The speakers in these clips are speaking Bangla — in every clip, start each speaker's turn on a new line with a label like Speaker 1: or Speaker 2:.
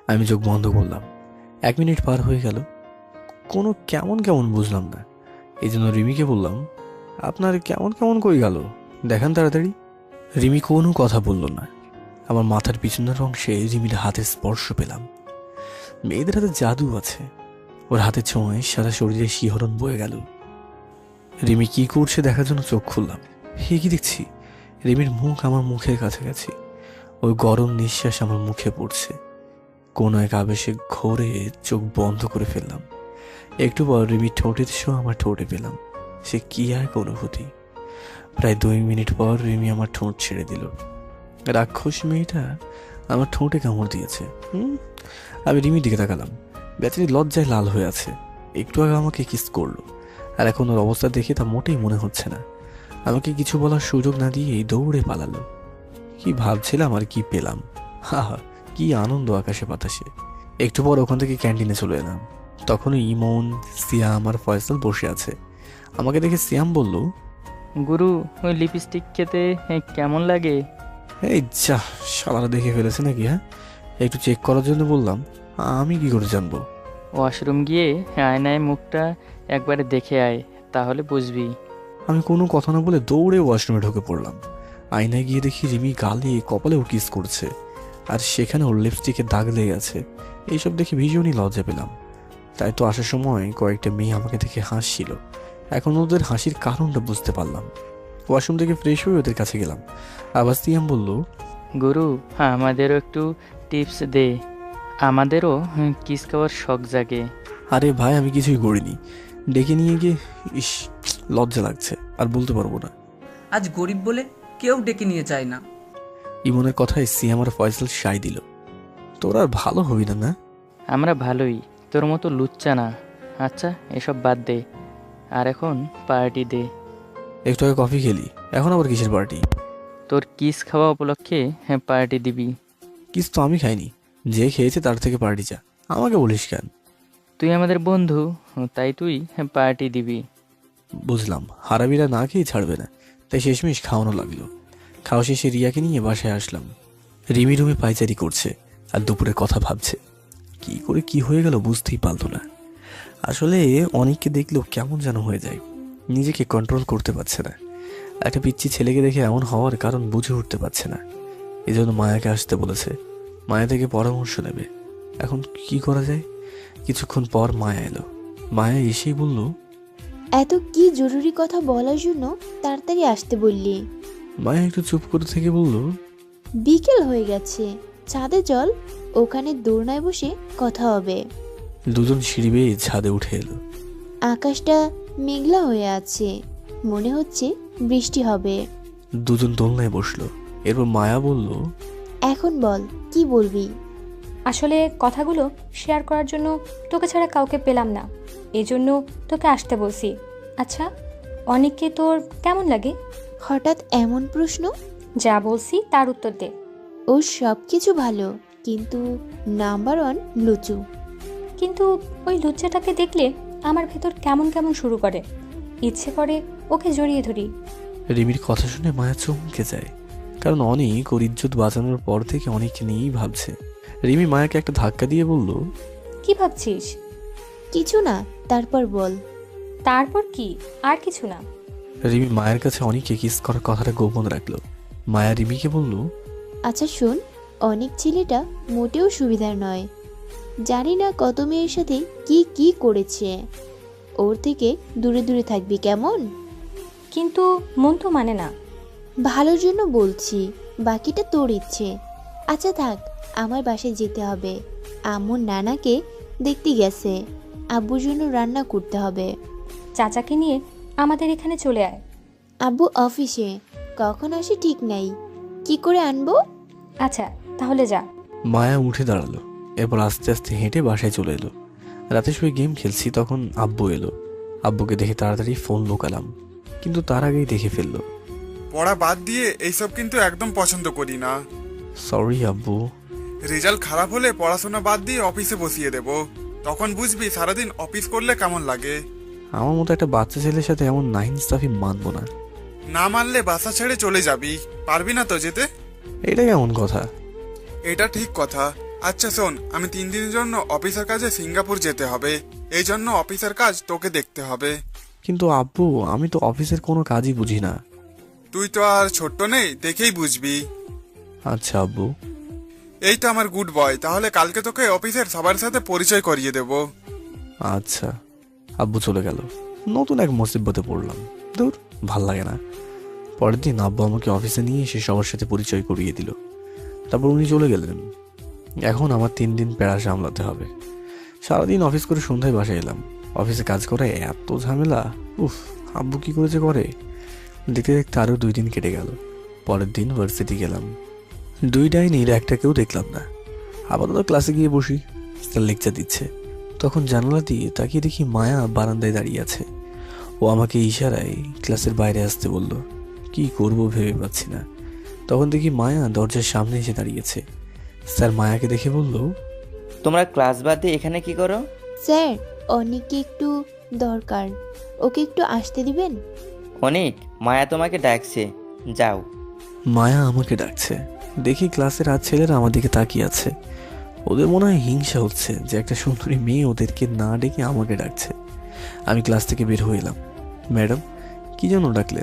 Speaker 1: আমি চোখ বন্ধ করলাম। 1 মিনিট পার হয়ে গেল, কোনো কেমন কেমন বুঝলাম না। এই জন্য রিমিকে বললাম, আপনার কেমন কেমন কই গেল, দেখান তাড়াতাড়ি। রিমি কোনো কথা বলল না। আমার মাথার পিছনের অংশে রিমির হাতের স্পর্শ পেলাম। মেয়েদের হাতে জাদু আছে। ওর হাতে ছোঁয়ায় সারা শরীরে শিহরণ বয়ে গেল। রিমি কি করছে দেখার জন্য চোখ খুললাম। হে কি দেখছি, রিমির মুখ আমার মুখের কাছাকাছি। ওই গরম নিঃশ্বাস আমার মুখে পড়ছে। কোনো এক আবেশে ঘোরে চোখ বন্ধ করে ফেললাম। একটু পর রিমির ঠোঁটের ছো আমার ঠোঁটে পেলাম। সে কি এক অনুভূতি। প্রায় 2 মিনিট পর রিমি আমার ঠোঁট ছেড়ে দিল। রাক্ষস মেয়েটা আমার ঠোঁটে কামড় দিয়েছে। আমি রিমির দিকে তাকালাম। বেচারি লজ্জায় লাল হয়ে আছে। একটু আগে আমাকে কিস করলো, আর এখন ওর অবস্থা দেখে তা মোটেই মনে হচ্ছে না। আমাকে কিছু বলার সুযোগ না দিয়েই দৌড়ে পালালো। কি ভাবছিলাম আর কি পেলাম, হা হা, কি আনন্দ আকাশে বাতাসে। একটু পর ওখান থেকে ক্যান্টিনে চলে এলাম। তখনই ইমন, সিয়াম আর ফয়সাল বসে আছে। আমাকে দেখে সিয়াম বলল,
Speaker 2: গুরু, ওই লিপস্টিক খেতে কেমন লাগে?
Speaker 1: এই যা, শালারা দেখে ফেলেছে নাকি? হ্যাঁ, একটু চেক করার জন্য বললাম। আমি কি করে জানবো?
Speaker 2: ওয়াশরুম গিয়ে আয়নায় মুখটা একবারে দেখে আয়, তাহলে বুঝবি।
Speaker 1: আমি কোনো কথা না বলে দৌড়ে ওয়াশরুমে ঢুকে পড়লাম। আয়নায় গিয়ে দেখি রিমি গালে কপালে ওর কিস করছে, আর সেখানে ওর লিপস্টিকের দাগ লেগে আছে। এইসব দেখে ভীষণই লজ্জা পেলাম। তাই তো আসার সময় কয়েকটা মেয়ে আমাকে দেখে হাসছিল। এখন ওদের হাসির কারণটা বুঝতে পারলাম। ওয়াশরুম থেকে ফ্রেশ হয়ে ওদের কাছে গেলাম। আবার সিয়াম বলল,
Speaker 2: গুরু, আমাদেরও একটু টিপস দে, আমাদেরও কিস খাওয়ার শখ জাগে।
Speaker 1: আরে ভাই, আমি কিছুই করিনি। ডেকে নিয়ে গিয়ে ইস, লজ্জা লাগছে, আর বলতে পারবো না।
Speaker 3: আজ গরিব বলে কেউ ডেকে নিয়ে যায় না।
Speaker 1: ইমনের কথায় সিয়াম আর ফয়সাল সাই দিল। তোরা আর ভালো হবি না না?
Speaker 2: আমরা ভালোই, তোর মতো লুচ্চা না। আচ্ছা, এসব বাদ দে, আর এখন পার্টি দে।
Speaker 1: একটু আগে কফি খেলি, এখন আবার কিসের পার্টি?
Speaker 2: তোর কিস খাওয়া উপলক্ষে পার্টি দিবি।
Speaker 1: কিস তো আমি খাইনি, যে খেয়েছে তার থেকে পার্টি চা। আমাকে বলিস কেন?
Speaker 2: তুই আমাদের বন্ধু, তাই তুই পার্টি দিবি।
Speaker 1: বুঝলাম, হারাবিরা না খেয়ে ছাড়বে না, তাই শেষমেশ খাওয়ানো লাগলো। খাওয়া শেষে রিয়াকে নিয়ে বাসায় আসলাম। রিমি রুমে পায়চারি করছে আর দুপুরের কথা ভাবছে। কি করে কি হয়ে গেল বুঝতেই পারতো না। আসলে অনেককে দেখলেও কেমন যেন হয়ে যায়, নিজেকে কন্ট্রোল করতে পারছে না। একটা পিচ্ছি ছেলেকে দেখে এমন হওয়ার কারণ বুঝে উঠতে পারছে না। এই জন্য মায়াকে আসতে বলেছে, মায়া থেকে পরামর্শ নেবে। এখন কি করা যায়? কিছুক্ষণ পর মায়া এলো। মায়া এসেই বলল,
Speaker 4: এত কি জরুরি কথা বলার জন্য তাড়াতাড়ি আসতে বললি?
Speaker 1: মায়া একটু চুপ করে থেকে বলল,
Speaker 4: বিকেল হয়ে গেছে, ছাদে চল, ওখানে দোলনায় বসে কথা হবে।
Speaker 1: দুজন সিঁড়ি বেয়ে ছাদে উঠে এলো।
Speaker 4: আকাশটা মেঘলা হয়ে আছে, মনে হচ্ছে বৃষ্টি হবে।
Speaker 1: দুজন দোলনায় বসলো। এরপর মায়া বলল,
Speaker 4: এখন বল, কি বলবি?
Speaker 5: আসলে কথাগুলো শেয়ার করার জন্য তোকে ছাড়া কাউকে পেলাম না, এজন্য তোকে আসতে বলছি। আচ্ছা, অনেককে তোর কেমন লাগে?
Speaker 4: হঠাৎ এমন প্রশ্ন?
Speaker 5: যা বলছি তার উত্তর দে।
Speaker 4: ওর সব কিছু ভালো, কিন্তু নাম্বার 1 লুচু।
Speaker 5: কিন্তু ওই লুচ্চাটাকে দেখলে আমার ভেতর কেমন কেমন শুরু করে, ইচ্ছে করে ওকে জড়িয়ে ধরি।
Speaker 1: রিমির কথা শুনে মায়া চমকে যায়, কারণ অনেক ওর ইজ্জত বাঁচানোর পর থেকে অনেককে নিয়েই ভাবছে। রিমি মায়াকে একটা ধাক্কা দিয়ে বলল,
Speaker 5: কি ভাবছিস?
Speaker 4: কিছু না, তারপর বল।
Speaker 5: তারপর কি? আর কিছু না।
Speaker 1: রিমি মায়ের কাছে অনেককে কিস করার কথাটা গোপন রাখলো। মায়া রিমিকে বলল,
Speaker 4: আচ্ছা শোন, অনেক ছেলেটা মোটেও সুবিধার নয়। জানি না কত মেয়ের সাথে কি কি করেছে। ওর থেকে দূরে দূরে থাকবি কেমন?
Speaker 5: কিন্তু মন তো মানে না।
Speaker 4: ভালোর জন্য বলছি, বাকিটা তোর ইচ্ছে। আচ্ছা থাক, আমার বাসায় যেতে হবে। আম্মুর নানাকে দেখতে গেছে, আব্বুর জন্য রান্না করতে হবে।
Speaker 5: চাচাকে নিয়ে আমাদের এখানে চলে আয়।
Speaker 4: আব্বু অফিসে, কখন আসে ঠিক নাই, কি করে আনবো?
Speaker 5: আচ্ছা, তাহলে যা।
Speaker 1: মায়া উঠে দাঁড়ালো। এরপর আস্তে আস্তে হেঁটে বাসায় চলে এলো। রাতে শুয়ে গেম খেলছি, তখন আব্বু এলো। আব্বুকে দেখে তাড়াতাড়ি ফোন লোকালাম, কিন্তু তার আগেই দেখে ফেললো।
Speaker 6: পড়া বাদ দিয়ে এইসব কিন্তু একদম পছন্দ করি না।
Speaker 1: সরি আব্বু।
Speaker 6: রেজাল্ট খারাপ হলে পড়াশোনা বাদ দিয়ে অফিসে বসিয়ে দেব, তখন বুঝবি সারাদিন অফিস করলে কেমন লাগে।
Speaker 1: আমার মতো একটা বাচ্চা ছেলের সাথে এমন নাইনস্টাফি মানবো না।
Speaker 6: না মানলে বাসা ছেড়ে চলে যাবি, পারবি না তো যেতে?
Speaker 1: এটা কেমন কথা?
Speaker 6: এটা ঠিক কথা। আচ্ছা শোন, আমি 3 দিনের জন্য অফিসের কাজে সিঙ্গাপুর যেতে হবে, এই জন্য অফিসের কাজ তোকে দেখতে হবে।
Speaker 1: কিন্তু আব্বু, আমি তো অফিসের কোনো কাজই বুঝি না।
Speaker 6: তুই তো আর ছোট্ট নেই, দেখেই বুঝবি।
Speaker 1: আচ্ছা আব্বু।
Speaker 6: এই তো আমার গুড বয়, তাহলে কালকে তোকে অফিসের সবার সাথে পরিচয় করিয়ে দেব।
Speaker 1: আচ্ছা। আব্বু চলে গেল। নতুন এক মুসিবতে পড়লাম। দূর, ভাল লাগে না। পরের দিন আব্বু আমাকে অফিসে নিয়ে এসে সবার সাথে পরিচয় করিয়ে দিল। তারপর উনি চলে গেলেন। এখন আমার 3 দিন প্যারা সামলাতে হবে। সারাদিন অফিস করে সন্ধ্যায় বাসায় এলাম। অফিসে কাজ করে এত ঝামেলা। উফ, আব্বু কি করেছে করে। দেখতে দেখতে আরও 2 দিন কেটে গেল। পরের দিন ভার্সিটি গেলাম। 2 ডাইনির একটাকেও দেখলাম না। আপাতত ক্লাসে গিয়ে বসি। স্যার লেকচার দিচ্ছে। তখন জানালা দিয়ে তাকিয়ে দেখি মায়া বারান্দায় দাঁড়িয়ে আছে। ও আমাকে ইশারায় ক্লাসের বাইরে আসতে বলল। কি করব ভেবে পাচ্ছি না। তখন দেখি মায়া দরজার সামনে এসে দাঁড়িয়েছে। স্যার মায়াকে দেখে বলল,
Speaker 7: তোমরা ক্লাস বাদ দিয়ে এখানে কি করো?
Speaker 4: স্যার, অনেককে একটু দরকার, ওকে একটু আসতে দিবেন?
Speaker 7: অনেক, মায়া তোমাকে ডাকছে, যাও।
Speaker 1: মায়া আমাকে ডাকছে। দেখি ক্লাসের আর ছেলেরা আমার দিকে তাকিয়ে আছে। ওদের মনে হয় হিংসা হচ্ছে যে একটা সুন্দরী মেয়ে ওদেরকে না ডেকে আমাকে ডাকছে। আমি ক্লাস থেকে বের হয়ে এলাম। ম্যাডাম, কি জন্য ডাকলেন?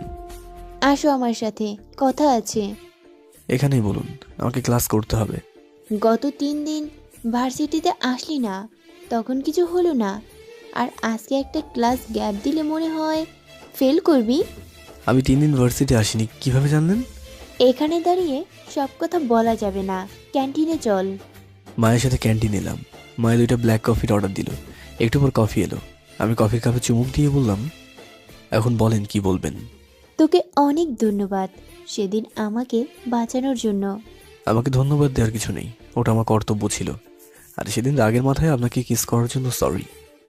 Speaker 4: আসো আমার সাথে, কথা আছে।
Speaker 1: এখানেই বলুন, আমাকে ক্লাস করতে হবে।
Speaker 4: গত 3 দিন ভার্সিটিতে আসলি না, তখন কিছু হলো না, আর আজকে একটা ক্লাস গ্যাপ দিলে মনে হয় ফেল করবি।
Speaker 1: আমি 3 দিন ভার্সিটি আসিনি, কিভাবে জানলেন?
Speaker 4: এখানে দাঁড়িয়ে সব কথা বলা যাবে না, ক্যান্টিনে চল।
Speaker 1: মায়ের সাথে ক্যান্টিন এলাম। মায়ের 2টা ব্ল্যাক কফির অর্ডার দিল। একটু পর কফি এলো। আমি কফির কাপে চুমুক দিয়ে বললাম, এখন বলেন কি বলবেন।
Speaker 4: তোকে অনেক ধন্যবাদ সেদিন আমাকে বাঁচানোর জন্য।
Speaker 1: আমাকে ধন্যবাদ দেওয়ার কিছু নেই, ওটা আমার কর্তব্য ছিল। আর সেদিন রাগের মাথায় আপনাকে কিস করার জন্য সরি।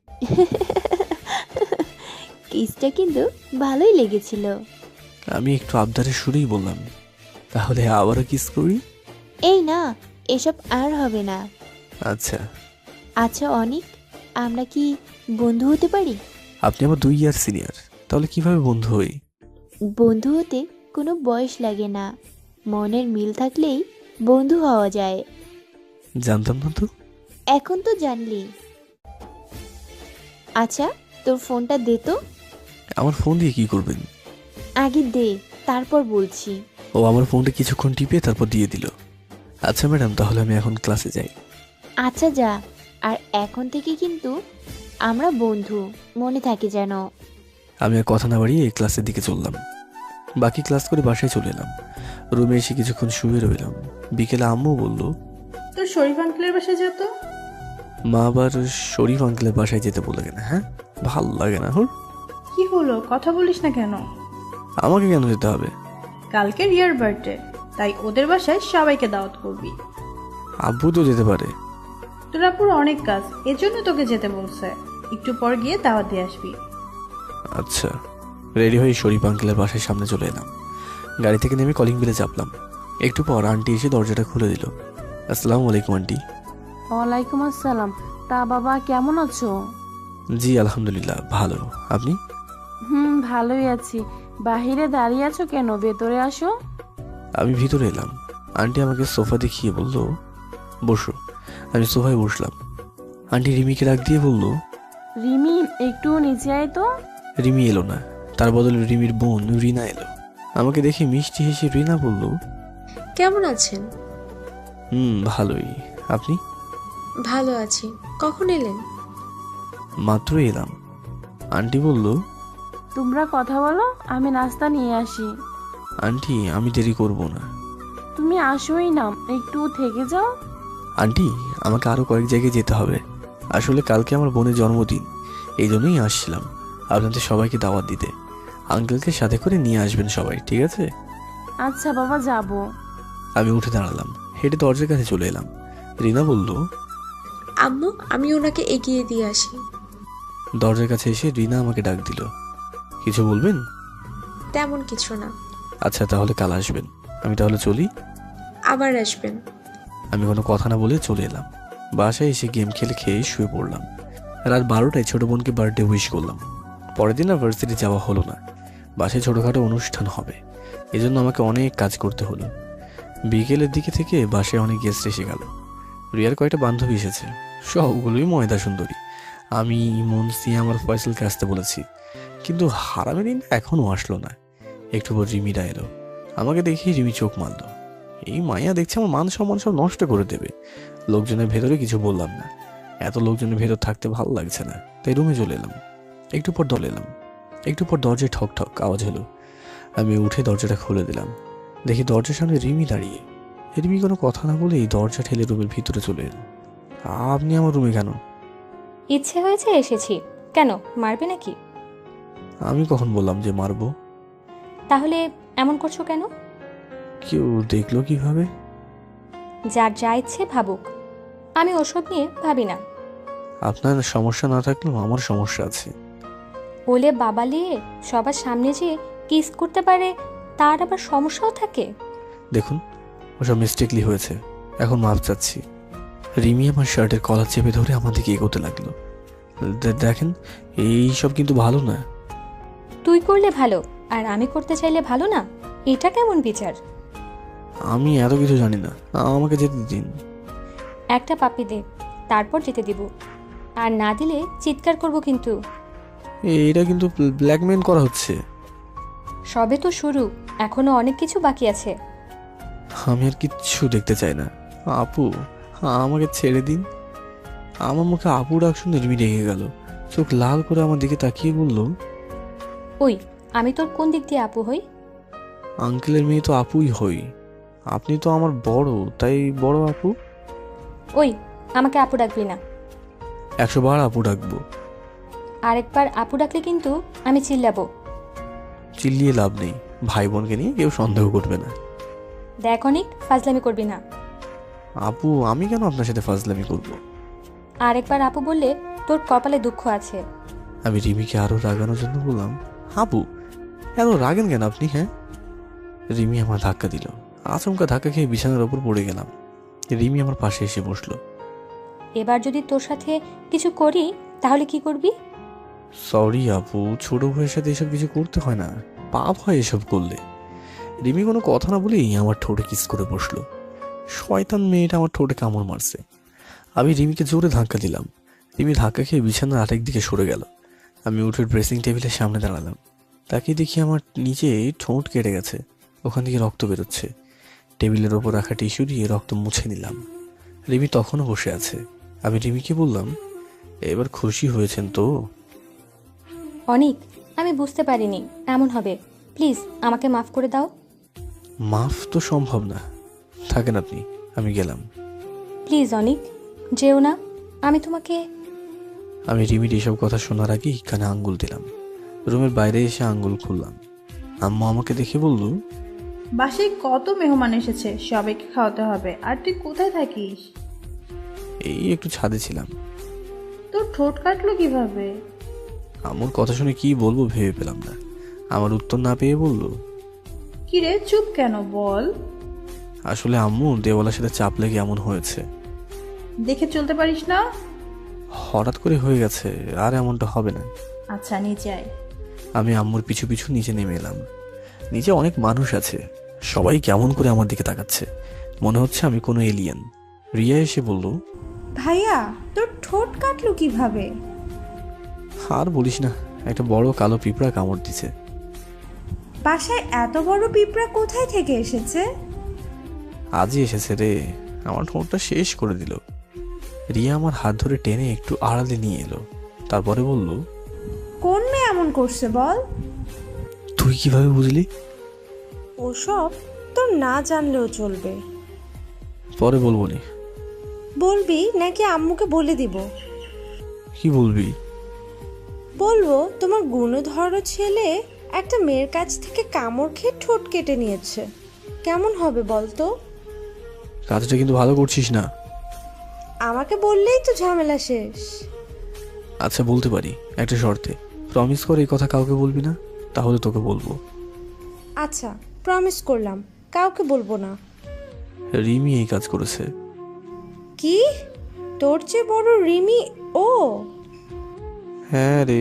Speaker 4: কিসটা কিন্তু ভালোই লেগেছিল।
Speaker 1: আমি একটু আবদারের সুরেই বললাম, তাহলে আবারও কিস করি?
Speaker 4: এই না, এসব আর হবে না।
Speaker 1: আচ্ছা।
Speaker 4: আচ্ছা অনেক, আমরা কি বন্ধু হতে পারি?
Speaker 1: আপনি আমার 2 ইয়ার সিনিয়র, তাহলে কিভাবে বন্ধু হই?
Speaker 4: বন্ধু হতে কোনো বয়স লাগে না, মনের মিল থাকলেই বন্ধু হওয়া যায়।
Speaker 1: জানতাম না তো।
Speaker 4: এখন তো জানলি। আচ্ছা, তোর ফোনটা দে তো।
Speaker 1: আমার ফোন দিয়ে কি করবেন?
Speaker 4: আগে দে, তারপর বলছি।
Speaker 1: ও আমার ফোনটা কিছুক্ষণ টিপে তারপর দিয়ে দিল। আচ্ছা ম্যাডাম, তাহলে আমি এখন ক্লাসে যাই।
Speaker 4: আচ্ছা যা, আর এখন থেকে কিন্তু আমরা বন্ধু, মনে থাকে যেন।
Speaker 1: আমি আর কথা না বাড়িয়ে ক্লাসের দিকে চললাম। বাকি ক্লাস করে বাসায় চলে এলাম। রুমে এসে কিছুক্ষণ শুয়ে রইলাম। বিকেলে আম্মু বলল,
Speaker 8: তোর শরীফ আঙ্কেলের বাসায় যেত।
Speaker 1: মা আবার শরীফ আঙ্কেলের বাসায় যেতে বলে কেন? হ্যাঁ, ভাল লাগে না। হুর,
Speaker 8: কি হলো, কথা বলিস না কেন?
Speaker 1: আমাকে কেন যেতে হবে?
Speaker 8: কালকে রিয়ার বার্থডে, তাই ওদের বাসায় সবাইকে দাওয়াত করবি।
Speaker 1: আব্বু তো যেতে পারে।
Speaker 8: তোর আপুর অনেক কাজ, এজন্য তোকে যেতে বলছে। একটু পর গিয়ে দাওয়াত দিয়ে আসবি।
Speaker 1: আচ্ছা। রেডি হয়ে শরীফ আঙ্কেলের বাসায় সামনে চলে এলাম। গাড়ি থেকে নেমে কলিং বেলে চাপলাম। একটু পর আন্টি এসে দরজাটা খুলে দিল। আসসালামু আলাইকুম আন্টি।
Speaker 9: ওয়ালাইকুম আসসালাম। তা বাবা কেমন আছো?
Speaker 1: জি আলহামদুলিল্লাহ, ভালো। আপনি?
Speaker 9: ভালোই আছি। বাহিরে দাঁড়িয়ে আছো কেন? ভেতরে আসো।
Speaker 1: আমি ভিতরে এলাম। আন্টি আমাকে সোফা দেখিয়ে বলল, বসো। আমি সোফায় বসলাম। আন্টি রিমিকে ডাক দিয়ে বলল,
Speaker 9: রিমি একটু নিচে আয় তো।
Speaker 1: রিমি এলো না, তার বদলে রিমির বোন রিনা এলো। আমাকে দেখে মিষ্টি হেসে রিনা বলল,
Speaker 10: কেমন আছেন?
Speaker 1: ভালোই। আপনি?
Speaker 10: ভালো আছি। কখন এলেন?
Speaker 1: মাত্র এলাম। আন্টি বলল,
Speaker 9: তোমরা কথা বলো, আমি নাস্তা নিয়ে আসি।
Speaker 1: আন্টি আমি দেরি করব না।
Speaker 9: তুমি আসোই না, একটু থেকে যাও।
Speaker 1: আন্টি আমাকে আরো কয়েক জায়গায় যেতে হবে। আসলে কালকে আমার বোনের জন্মদিন, এই জন্যই আসছিলাম আপনাদের সবাইকে দাওয়াত দিতে। আঙ্কেলকে সাথে করে নিয়ে আসবেন সবাই, ঠিক আছে?
Speaker 9: আচ্ছা বাবা, যাব।
Speaker 1: আমি উঠে দাঁড়ালাম, হেঁটে দরজার কাছে চলে এলাম। রিনা বলল,
Speaker 10: আম্মু, আমি ওনাকে এগিয়ে দিয়ে আসি।
Speaker 1: দরজার কাছে এসে রিনা আমাকে ডাক দিল, কিছু বলবেন?
Speaker 10: তেমন কিছু না।
Speaker 1: আচ্ছা, তাহলে কাল আসবেন। আমি তাহলে চলি।
Speaker 10: আবার আসবেন।
Speaker 1: আমি কোনো কথা না বলে চলে এলাম। বাসায় এসে গেম খেলে খেয়ে শুয়ে পড়লাম। রাত 12টায় ছোট বোনকে বার্থডে উইশ করলাম। পরের দিন আর ভার্সিটি যাওয়া হলো না। বাসায় ছোটোখাটো অনুষ্ঠান হবে, এজন্য আমাকে অনেক কাজ করতে হলো। বিকেলের দিকে থেকে বাসায় অনেক গেস্ট এসে গেল। রিয়ার কয়েকটা বান্ধবী এসেছে, সবগুলোই ময়দা সুন্দরী। আমি ইমন, সিয়াম আর ফয়সালকে আসতে বলেছি, কিন্তু হারামের দিন এখনও আসলো না। একটু পর রিমিরা এলো। আমাকে দেখি রিমি চোখ মারল। এই মায়া দেখছে আমার মান সম্মান সব নষ্ট করে দেবে। লোকজনের ভেতরে কিছু বললাম না, এত লোকজনের ভেতর থাকতে ভালো লাগছে না, তাই রুমে চলে এলাম। একটু পর দরজায় ঠক ঠক আওয়াজ হলো। আমি উঠে দরজাটা খুলে দিলাম। দেখি দরজার সামনে রিমি দাঁড়িয়ে। রিমি কোনো কথা না বলেই দরজা ঠেলে রুমের ভিতরে চলে এলো। আপনি আমার রুমে কেন?
Speaker 5: ইচ্ছে হয়েছে এসেছি। কেন, মারবে নাকি?
Speaker 1: আমি কখন বললাম যে মারবো?
Speaker 5: তাহলে এমন করছো কেন?
Speaker 1: কেউ দেখলো কিভাবে?
Speaker 5: যার যা ইচ্ছে ভাবুক, আমি ওসব নিয়ে ভাবি না।
Speaker 1: আপনার সমস্যা না থাকলেও আমার সমস্যা আছে।
Speaker 5: ওলে বাবালিয়ে সবার সামনে যে কিস করতে পারে, তার আবার সমস্যাও থাকে?
Speaker 1: দেখুন, ওসব মিস্টেকলি হয়েছে, এখন মাপ চাচ্ছি। রিমি আমার শার্টের কলার চেপে ধরে আমার দিকে এগোতে লাগলো। দেখেন, এইসব কিন্তু ভালো না।
Speaker 5: তুই করলে ভালো, আর আমি করতে চাইলে ভালো না? এটা কেমন বিচার?
Speaker 1: আমি এত কিছু জানি না, আমাকে যেতে দিন।
Speaker 5: একটা পাপ্পি দে, তারপর যেতে দিব। আর না দিলে চিৎকার করব কিন্তু।
Speaker 1: এটা কিন্তু ব্ল্যাকমেল করা হচ্ছে।
Speaker 5: সবে তো শুরু, এখনো অনেক কিছু বাকি আছে।
Speaker 1: আমি আর কিচ্ছু দেখতে চাই না। আপু, আমাকে ছেড়ে দিন। আমার মুখে আপু ডাক শুনে রিমি রেগে গেল। চোখ লাল করে আমার দিকে তাকিয়ে বলল,
Speaker 5: ওই, আমি তোর কোন দিক দিয়ে আপু হই?
Speaker 1: আঙ্কেলের মেয়ে তো আপুই হই। আপনি তো আমার বড়, তাই বড় আপু।
Speaker 5: ওই, আমাকে আপু ডাকবি না।
Speaker 1: 100 বার আপু ডাকবো।
Speaker 5: আরেকবার আপু ডাকলে কিন্তু আমি চিল্লাবো।
Speaker 1: চিল্লিয়ে লাভ নেই, ভাই বোনকে নিয়ে কেউ সন্দেহ করবে না।
Speaker 5: দেখ অনেক ফাজলামি করবি না।
Speaker 1: আপু, আমি কেন আপনার সাথে ফাজলামি করব?
Speaker 5: আরেকবার আপু বললে তোর কপালে দুঃখ আছে।
Speaker 1: আমি রিমিকে আরো রাগানোর জন্য বললাম, আপু এত রাগেন কেন আপনি? হ্যাঁ। রিমি আমার ধাক্কা দিল। আচমকা ধাক্কা খেয়ে বিছানার ওপর পড়ে গেলাম। রিমি আমার পাশে এসে বসলো।
Speaker 5: এবার যদি তোর সাথে কিছু করি তাহলে কি করবি?
Speaker 1: সরি আপু, ছোট ভাইয়ের সাথে এসব কিছু করতে হয় না, পাপ হয় এসব করলে। রিমি কোনো কথা না বলেই আমার ঠোঁটে কিস করে বসলো। শয়তান মেয়েটা আমার ঠোঁটে কামড় মারছে। আমি রিমিকে জোরে ধাক্কা দিলাম। রিমি ধাক্কা খেয়ে বিছানার আরেক দিকে সরে গেল। আমি উঠে ড্রেসিং টেবিলের সামনে দাঁড়ালাম। তাকে দেখি আমার নিচে ঠোঁট কেটে গেছে, ওখান থেকে রক্ত বেরোচ্ছে। টেবিলের ওপর রাখা টিস্যু দিয়ে রক্ত মুছে নিলাম। রিমি তখনও বসে আছে। আমি রিমিকে বললাম, এবার খুশি হয়েছেন তো?
Speaker 5: অনিক, আমি বুঝতে পারিনি এমন হবে। প্লিজ আমাকে মাফ করে দাও।
Speaker 1: মাফ তো সম্ভব না, থাকেন আপনি, আমি গেলাম।
Speaker 5: প্লিজ অনিক, যেও না। আমি তোমাকে।
Speaker 1: আমি রিমির এসব কথা শোনার আগে কানে আঙ্গুল দিলাম। রুমের বাইরে এসে আঙ্গুল খুললাম। আম্মু আমাকে দেখে বলল,
Speaker 8: বাসায় কত মেহমান এসেছে, সবাইকে খাওয়াতে হবে, আর তুই কোথায় থাকিস?
Speaker 1: এই একটু ছাদে ছিলাম।
Speaker 8: তোর ঠোঁট কাটলো কিভাবে?
Speaker 1: আম্মুর কথা শুনে কি বলবো ভেবে পেলাম না। আমার উত্তর না পেয়ে বলল,
Speaker 8: কিরে চুপ কেন, বল।
Speaker 1: আসলে আম্মু দেওয়ালের সাথে চাপ লেগে এমন হয়েছে।
Speaker 8: দেখে চলতে পারিস না?
Speaker 1: হঠাৎ করে হয়ে গেছে, আর এমনটা হবে না।
Speaker 8: আচ্ছা নিচে আয়।
Speaker 1: আমি আম্মুর পিছু পিছু নিচে নেমে এলাম। নিচে অনেক মানুষ আছে, সবাই কেমন করে আমার দিকে তাকাচ্ছে, মনে হচ্ছে আমি কোনো এলিয়েন। রিয়া এসে বলল,
Speaker 8: ভাইয়া তোর ঠোঁট কাটলো কিভাবে?
Speaker 1: আর বলিস না, একটা বড় কালো পিঁপড়া কামড় দিছে।
Speaker 8: বাসায় এত বড় পিঁপড়া কোথায় থেকে এসেছে?
Speaker 1: আজই এসেছে রে, আমার ঠোঁটটা শেষ করে দিল। রিয়া আমার হাত ধরে টেনে একটু আড়ালে নিয়ে এলো, তারপরে বলল,
Speaker 8: কোন মেয়ে এমন করছে বল?
Speaker 1: তুই কিভাবে বুঝলি?
Speaker 10: ওসব তোর না জানলেও চলবে।
Speaker 1: পরে বলবো নি।
Speaker 10: বলবি নাকি আম্মুকে বলে দিব?
Speaker 1: কি বলবি?
Speaker 10: বলবো তোমার গুণধর ছেলে একটা মেয়ের কাছ থেকে কামড় খেয়ে ঠোঁট কেটে নিয়েছে। কেমন হবে বলতো?
Speaker 1: কাজটা কিন্তু ভালো করছিস না।
Speaker 10: আমাকে বললেই তো ঝামেলা শেষ।
Speaker 1: আচ্ছা বলতে পারি, একটা শর্তে। প্রমিস করে এই কথা কাউকে বলবি না, তাহলে তোকে বলবো।
Speaker 10: আচ্ছা প্রমিস করলাম, কাউকে বলবো না।
Speaker 1: রিমি এই কাজ করেছে।
Speaker 10: কি? তোর চেয়ে বড় রিমি ও?
Speaker 1: হ্যাঁ রে।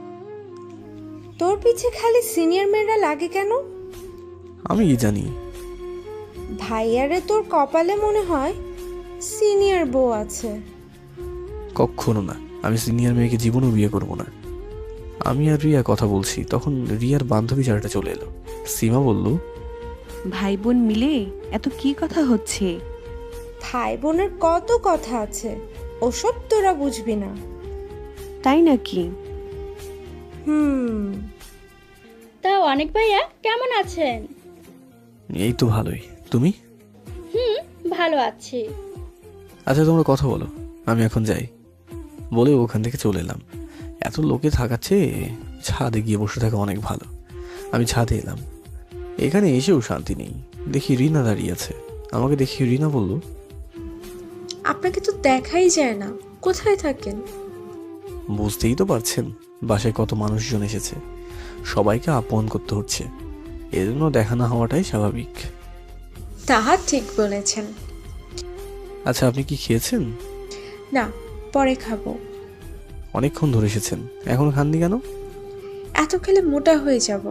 Speaker 10: তোর পিছে খালি সিনিয়র মেয়েরা লাগে কেন?
Speaker 1: আমি কি জানি।
Speaker 10: ভাইয়ারে তোর কপালে মনে হয় সিনিয়র বউ আছে।
Speaker 1: কখনো না, আমি সিনিয়র মেয়েকে জীবনেও বিয়ে করব না। আমি আর রিয়া কথা বলছি, তখন রিয়ার বান্ধবী চারটা চলে এলো। সীমা বলল,
Speaker 11: ভাই বোন মিলে এত কি কথা হচ্ছে?
Speaker 10: ভাই বোনের কত কথা আছে, ওসব তোরা বুঝবি না।
Speaker 11: তাই নাকি?
Speaker 12: তা অনেক ভাইয়া কেমন আছেন?
Speaker 1: এই তো ভালোই, তুমি?
Speaker 12: ভালো আছি।
Speaker 1: আচ্ছা তোমরা কথা বলো, আমি এখন যাই বলে ওখান থেকে চলে এলাম। এত লোকে থাকাচ্ছে, ছাদে গিয়ে বসে থাকা অনেক ভালো। আমি ছাদে এলাম, এখানে এসেও শান্তি নেই। দেখি রিনা দাঁড়িয়ে আছে। আমাকে দেখি রিনা বলল,
Speaker 10: আপনাকে তো দেখাই যায় না, কোথায় থাকেন?
Speaker 1: বুঝতেই তো পারছেন, বাসায় কত মানুষজন এসেছে, সবাইকে আপন করতে হচ্ছে, এজন্য দেখা না হওয়াটাই স্বাভাবিক।
Speaker 10: তাহা ঠিক বলেছেন।
Speaker 1: আচ্ছা আপনি কি খেয়েছেন?
Speaker 10: না, পরে খাবো।
Speaker 1: অনেকক্ষণ ধরে এসেছেন, এখন খাননি কেন?
Speaker 10: এত খেলে মোটা হয়ে যাব।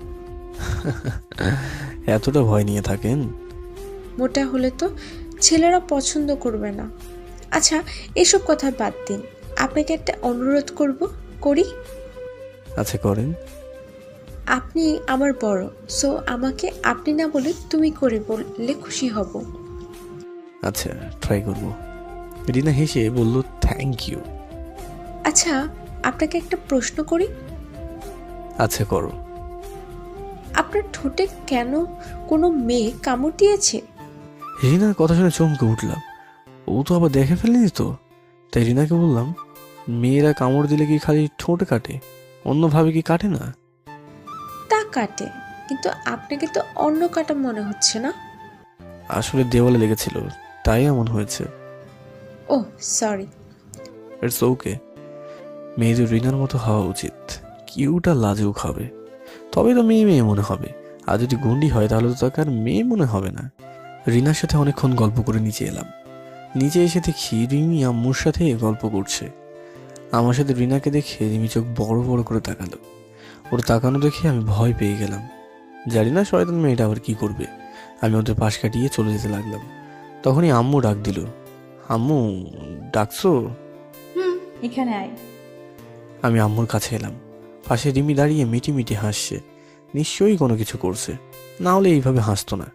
Speaker 1: এতটা ভয় নিয়ে থাকেন?
Speaker 10: মোটা হলে তো ছেলেরা পছন্দ করবে না। আচ্ছা এসব কথা বাদ দিন, আপনাকে একটা অনুরোধ করি।
Speaker 1: আচ্ছা করেন।
Speaker 10: আপনি আমার বড়, সো আমাকে আপনি না বলে তুমি করে বললে খুশি হব।
Speaker 1: আচ্ছা ট্রাই করব। রিনা হেসে বলল, থ্যাংক ইউ।
Speaker 10: আচ্ছা আপনাকে একটা প্রশ্ন করি।
Speaker 1: আচ্ছা করো।
Speaker 10: আপনার ঠোঁটে কেন কোনো মেয়ে কামড় দিয়েছে?
Speaker 1: রিনার কথা শুনে চমকে উঠলাম। ও তো আবার দেখে ফেলেনি তো। তাই রিনাকে বললাম, মেয়েরা কামড় দিলে কি খালি ঠোঁট কাটে, অন্যভাবে কি কাটে না?
Speaker 10: তা কাটে, কিন্তু আপনাকে তো অন্য কাটা মনে হচ্ছে না।
Speaker 1: আসলে দেওয়ালে লেগেছিল, তাই এমন হয়েছে।
Speaker 10: ও সরি।
Speaker 1: It's okay. মেয়েদের রিনার মতো হওয়া উচিত, কিউটা লাজুক হবে, তবে তো মেয়ে মেয়ে মনে হবে। আর যদি গন্ডি হয় তাহলে তো তাকে আর মেয়ে মনে হবে না। রিনার সাথে অনেকক্ষণ গল্প করে নিচে এলাম। নিচে এসে দেখি রিমি আম্মুর সাথে গল্প করছে। আমার সাথে রিনাকে দেখে রিমি চোখ বড় বড় করে তাকালো। ওর তাকানো দেখে আমি ভয় পেয়ে গেলাম। জানি না শয়তান মেয়েটা আবার কি করবে। আমি ওদের পাশ কাটিয়ে চলে যেতে লাগলাম। তখনই আম্মু ডাক দিল, আম্মু ডাকছো?
Speaker 8: এখানে আয়।
Speaker 1: আমি আম্মুর কাছে এলাম। পাশে রিমি দাঁড়িয়ে মিটি মিটি হাসছে, নিশ্চয়ই কোনো কিছু করছে, না হলে এইভাবে হাসতো না।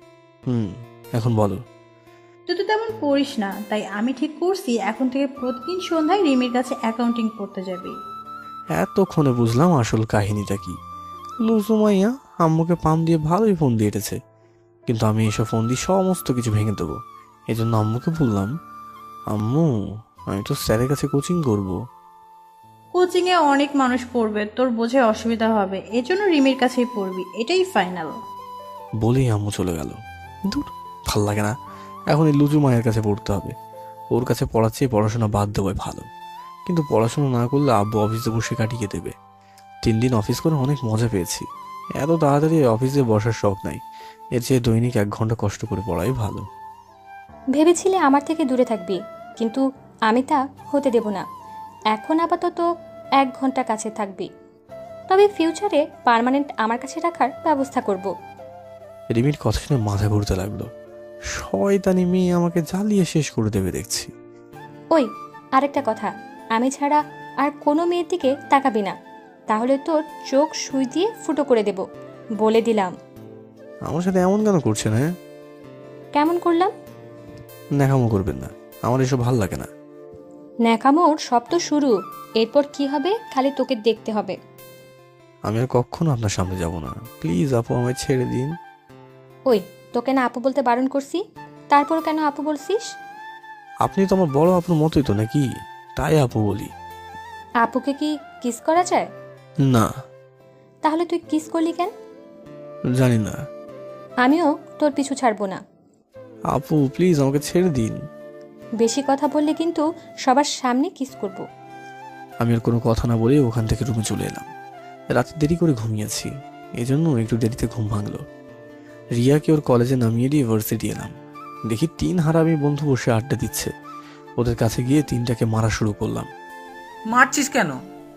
Speaker 1: এখন বলো।
Speaker 8: তুই তো তেমন পড়িস না, তাই আমি ঠিক করছি এখন থেকে প্রতিদিন সন্ধ্যায় রিমির কাছে অ্যাকাউন্টিং পড়তে যাবি।
Speaker 1: এতক্ষণে বুঝলাম আসল কাহিনীটা কি। লুজু মাইয়া আম্মুকে পাম দিয়ে ভালোই ফোন দিয়ে এটেছে, কিন্তু আমি এসব ফোন দিয়ে সমস্ত কিছু ভেঙে দেবো। এই জন্য আম্মুকে বললাম, আম্মু আমি তো স্যারের কাছে কোচিং করব।
Speaker 8: কোচিংয়ে অনেক মানুষ পড়বে, তোর বোঝে অসুবিধা হবে, এজন্য রিমির কাছেই পড়বি, এটাই ফাইনাল।
Speaker 1: বলেই আম্মু চলে গেল। দূর, ভাল লাগে না, এখন এই লুজু মায়ের কাছে পড়তে হবে। ওর কাছে পড়ার চেয়ে পড়াশোনা বাদ দেওয়াই ভালো। কিন্তু পড়াশোনা না করলে আব্বু অফিসে বসে কাটিয়ে দেবে। 3 দিন অফিস করে অনেক মজা পেয়েছি। এত তাড়াতাড়ি অফিসে বসার শখ নাই, এর চেয়ে দৈনিক 1 ঘন্টা কষ্ট করে পড়াই ভালো।
Speaker 5: ভেবেছিলে আমার থেকে দূরে থাকবি, কিন্তু আমি তা হতে দেব না। এখন আপাতত 1 ঘন্টা কাছে থাকবি, তবে ফিউচারে পার্মানেন্ট আমার কাছে রাখার ব্যবস্থা করব।
Speaker 1: রিমির কথা শুনে মাথা ঘুরতে লাগলো। শয়তানি মেয়ে আমাকে জ্বালিয়ে শেষ করে দেবে দেখছি।
Speaker 5: ওই আরেকটা কথা, আমি ছাড়া আর কোনো মেয়ের দিকে তাকাবি না, তাহলে তোর চোখ সুই দিয়ে ফুটো করে দেব, বলে দিলাম।
Speaker 1: আমার সাথে এমন কেন করছেন? হ্যাঁ
Speaker 5: কেমন করলাম?
Speaker 1: ন্যাকামো করবেন না, আমার এসব ভাল লাগে না।
Speaker 5: ন্যাকামোর সব তো শুরু, এরপর কি হবে খালি তোকে দেখতে হবে।
Speaker 1: আমি আর কখনো আপনার সামনে যাব না, প্লিজ আপু আমায় ছেড়ে দিন।
Speaker 5: ওই তোকে না আপু বলতে বারণ করছি, তারপর কেন আপু বলছিস?
Speaker 1: আপনি তো আমার বড় আপুর মতোই তো নাকি, তাই আপু বলি।
Speaker 5: আপুকে কি কিস করা যায়?
Speaker 1: না।
Speaker 5: তাহলে তুই কিস করলি কেন?
Speaker 1: জানি না।
Speaker 5: আমিও তোর পিছু ছাড়বো না।
Speaker 1: আপু প্লিজ আমাকে ছেড়ে দিন।
Speaker 5: বেশি কথা বললে কিন্তু সবার সামনে কিস করব।
Speaker 1: আমি আর কোনো কথা না বলে ওখান থেকে রুমে চলে এলাম। রাতে দেরি করে ঘুমিয়েছি, এজন্য একটু দেরিতে ঘুম ভাঙলো। রিয়াকে ওর কলেজে নামিয়ে দিয়ে ভার্সিটি এলাম। দেখি 3 হারামি বন্ধু বসে আড্ডা দিচ্ছে। ওদের কাছে গিয়ে 3টাকে মারা শুরু করলাম।
Speaker 3: মারছিস কেন?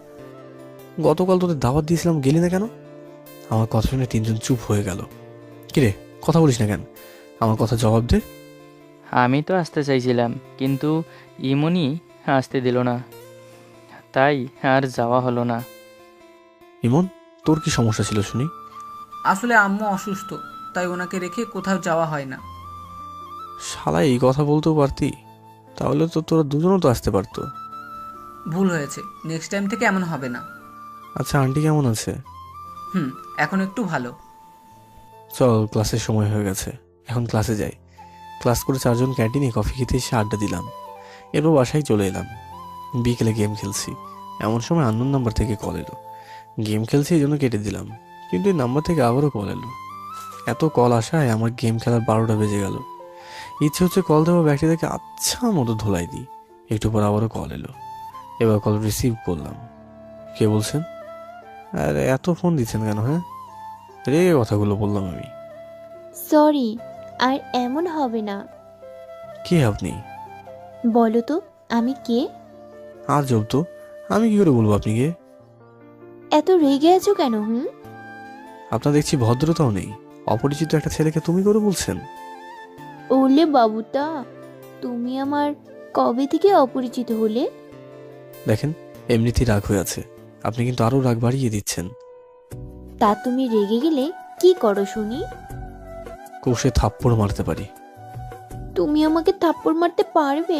Speaker 1: গতকাল তোদের দাওয়াত দিয়েছিলাম, গেলি না কেন? আমার কথা শুনে 3জন চুপ হয়ে গেল। কিরে কথা বলিস না কেন? আমার কথা জবাব দে।
Speaker 2: আমি তো আসতে চাইছিলাম, কিন্তু ইমনি আসতে দিল না, তাই আর যাওয়া হলো না।
Speaker 1: ইমন, তোর কি সমস্যা ছিল শুনি?
Speaker 3: আসলে আম্মু অসুস্থ, তাই ওনাকে রেখে কোথাও যাওয়া হয় না।
Speaker 1: শালা এই কথা বলতেও পারতি, তাহলে তো তোরা দুজনও তো আসতে পারতো।
Speaker 3: ভুল হয়েছে, নেক্সট টাইম থেকে এমন হবে না।
Speaker 1: আচ্ছা, আন্টি কেমন আছে?
Speaker 3: এখন একটু ভালো।
Speaker 1: চল, ক্লাসের সময় হয়ে গেছে, এখন ক্লাসে যাই। ক্লাস করে 4 জন ক্যান্টিনে কফি খেতে এসে আড্ডা দিলাম, এরপর বাসায় চলে এলাম। বিকেলে গেম খেলছি, এমন সময় আননোন নাম্বার থেকে কল এলো। গেম খেলছি এই জন্য কেটে দিলাম, কিন্তু এই নাম্বার থেকে আবারও কল এলো। এত কল আসায় আমার গেম খেলার 12টা বেজে গেল। ইচ্ছে হচ্ছে কল দেওয়া ব্যক্তিটাকে আচ্ছা মতো ধোলাই দিই। একটু পর আবারও কল এলো, এবার কল রিসিভ করলাম। কে বলছেন? আর এত ফোন দিচ্ছেন কেন? হ্যাঁ, রেগে কথাগুলো বললাম আমি।
Speaker 4: সরি, আর এমন হবে না।
Speaker 1: কে আপনি?
Speaker 4: বলো তো আমি কে?
Speaker 1: আর জব তো, আমি কি করে বলবো আপনি কে?
Speaker 4: এত রেগে আছো কেন?
Speaker 1: আপনার দেখছি ভদ্রতাও নেই, অপরিচিত একটা ছেলেকে তুমি করে বলছেন।
Speaker 4: ওলে বাবুটা, তুমি আমার কবে থেকে অপরিচিত হলে?
Speaker 1: দেখেন, এমনিতেই রাগ হয়ে আছে, আপনি কিন্তু আরো রাগ বাড়িয়ে দিচ্ছেন।
Speaker 4: তা তুমি রেগে গেলে কি করো শুনি?
Speaker 1: কৌশে থাপ্পড় মারতে পারি।
Speaker 4: তুমি আমাকে থাপ্পড় মারতে পারবে?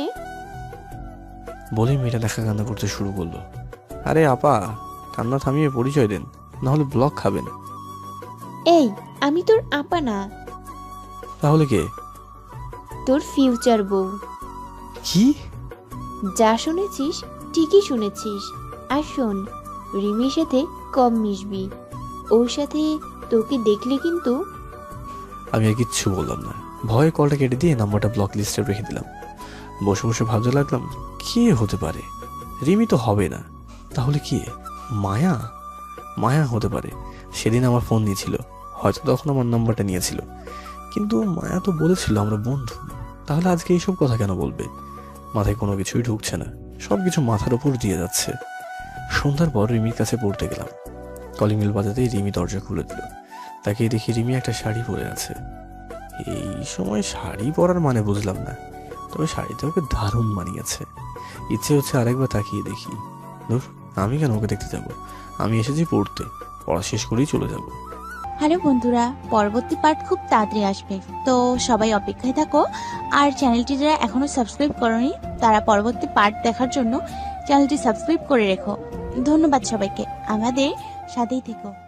Speaker 1: বলে মেয়েটা দেখা কান্না করতে শুরু করলো। আরে আপা, কান্না থামিয়ে পরিচয় দেন, নাহলে ব্লক খাবেন।
Speaker 4: এই, আমি তোর আপা না,
Speaker 1: তাহলে কে?
Speaker 4: তোর ফিউচার বউ।
Speaker 1: কি?
Speaker 4: যা শুনেছিস ঠিকই শুনেছিস। আর শোন, রিমির সাথে কম মিশবি, ওর সাথে তোকে দেখলে কিন্তু।
Speaker 1: আমি আর কিচ্ছু বললাম না, ভয়ে কলটা কেটে দিয়ে নাম্বারটা ব্লক লিস্টে রেখে দিলাম। বসে বসে ভাবতে লাগলাম, কে হতে পারে? রিমি তো হবে না, তাহলে কি? মায়া? মায়া হতে পারে, সেদিন আমার ফোন নিয়েছিল, হয়তো তখন আমার নাম্বারটা নিয়েছিল, কিন্তু মায়া তো বলেছিল আমরা বন্ধু, তাহলে আজকে এইসব কথা কেন বলবে? মাথায় কোনো কিছুই ঢুকছে না, সব কিছু মাথার উপর দিয়ে যাচ্ছে। সন্ধ্যার পর রিমির কাছে পড়তে গেলাম। কলিং বেল বাজাতেই রিমি দরজা খুলে দিল। তাকে দেখি রিমি একটা শাড়ি পরে আছে। এই সময় শাড়ি পরার মানে বুঝলাম না, তবে শাড়িতে ওকে দারুণ মানিয়েছে। ইচ্ছে হচ্ছে আরেকবার তাকিয়ে দেখি। ধুর, আমি কেন ওকে দেখতে যাব? আমি এসেছি পড়তে, পড়া শেষ করেই চলে যাব।
Speaker 13: হ্যালো বন্ধুরা, পরবর্তী পার্ট খুব তাড়াতাড়ি আসবে, তো সবাই অপেক্ষায় থাকো। আর চ্যানেলটি যারা এখনো সাবস্ক্রাইব করোনি, তারা পরবর্তী পার্ট দেখার জন্য চ্যানেলটি সাবস্ক্রাইব করে রেখো। ধন্যবাদ সবাইকে, আমাদের সাথেই থেকো।